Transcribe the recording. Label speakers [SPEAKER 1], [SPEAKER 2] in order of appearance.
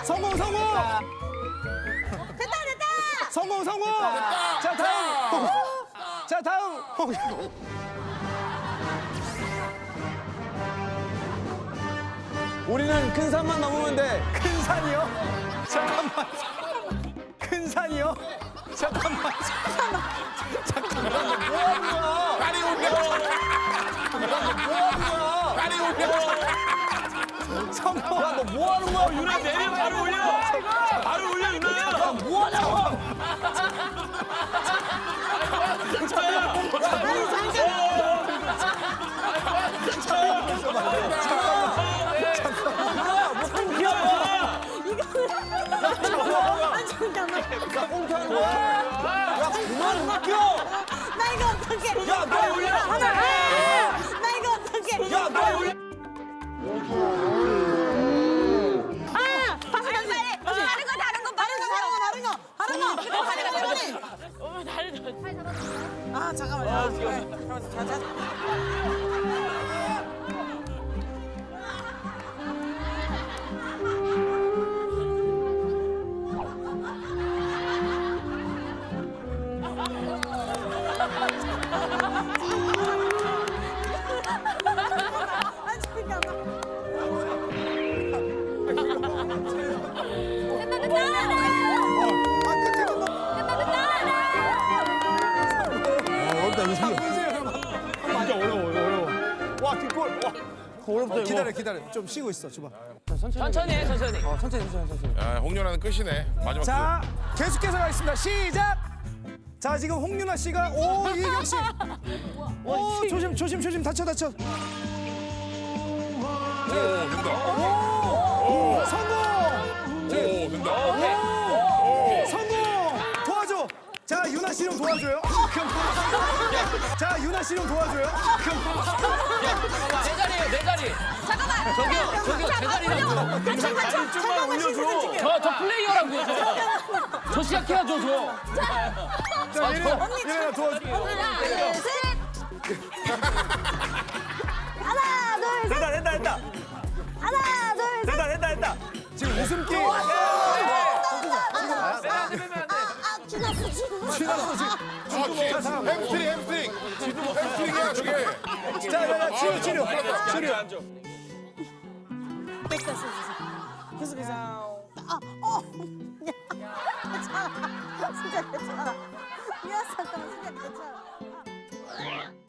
[SPEAKER 1] 성공 성공.
[SPEAKER 2] 됐다.
[SPEAKER 1] 성공 성공. 자 다음. 자 다음.
[SPEAKER 3] 우리는 큰 산만 넘으면 돼.
[SPEAKER 1] 큰 산이요? 잠깐만. 큰 산이요? 잠깐만.
[SPEAKER 4] 다리 올려. 다리 올려.
[SPEAKER 1] 성공.
[SPEAKER 3] 너 뭐 하는 거야?
[SPEAKER 5] 유나 내려 바로 올려. 바로 올려 유나.
[SPEAKER 3] 뭐 하냐고?
[SPEAKER 2] 잠깐만.
[SPEAKER 3] 야, 꽁트하는 거야? 야, 그만 웃겨!
[SPEAKER 2] 나 이거 어떡해.
[SPEAKER 3] 야, 너 올려!
[SPEAKER 2] 나 이거 어떡해.
[SPEAKER 3] 야, 너 올려!
[SPEAKER 2] 아, 잠깐만. 자.
[SPEAKER 1] 와 뒷골. 어렵다. 기다려. 좀 쉬고 있어. 줘봐.
[SPEAKER 5] 천천히 해 천천히.
[SPEAKER 4] 야, 홍윤아는 끝이네. 마지막.
[SPEAKER 1] 자 계속해서 가겠습니다. 시작. 자 지금 홍윤아 씨가 오 이경 씨. 오 조심 다쳐.
[SPEAKER 4] 오, 된다.
[SPEAKER 1] 성공.
[SPEAKER 4] 오, 된다.
[SPEAKER 1] 성공! 도와줘! 자, 유나 씨 좀 도와줘요. 자, 유나 씨 좀 도와줘요.
[SPEAKER 5] 내 자리에요 내 자리.
[SPEAKER 2] 잠깐만.
[SPEAKER 5] 저기요 제 자리라고.
[SPEAKER 2] 잠깐만 올려줘.
[SPEAKER 5] 저 플레이어라고요 저 시작해야죠 저.
[SPEAKER 1] 자, 얘네가 도와줘.
[SPEAKER 2] 하나, 둘, 셋. 하나, 둘, 셋.
[SPEAKER 3] 됐다.
[SPEAKER 2] 하나, 둘, 셋.
[SPEAKER 3] 됐다.
[SPEAKER 1] 지금 웃음기.
[SPEAKER 2] 지났어.
[SPEAKER 1] 지났어, 지금.
[SPEAKER 4] 햄스트링이야, 저게.
[SPEAKER 1] 자, 치료.
[SPEAKER 2] 됐어. 계속해서. 괜찮아. 진짜 괜찮아. 미안, 잠깐만, 진짜 괜찮아.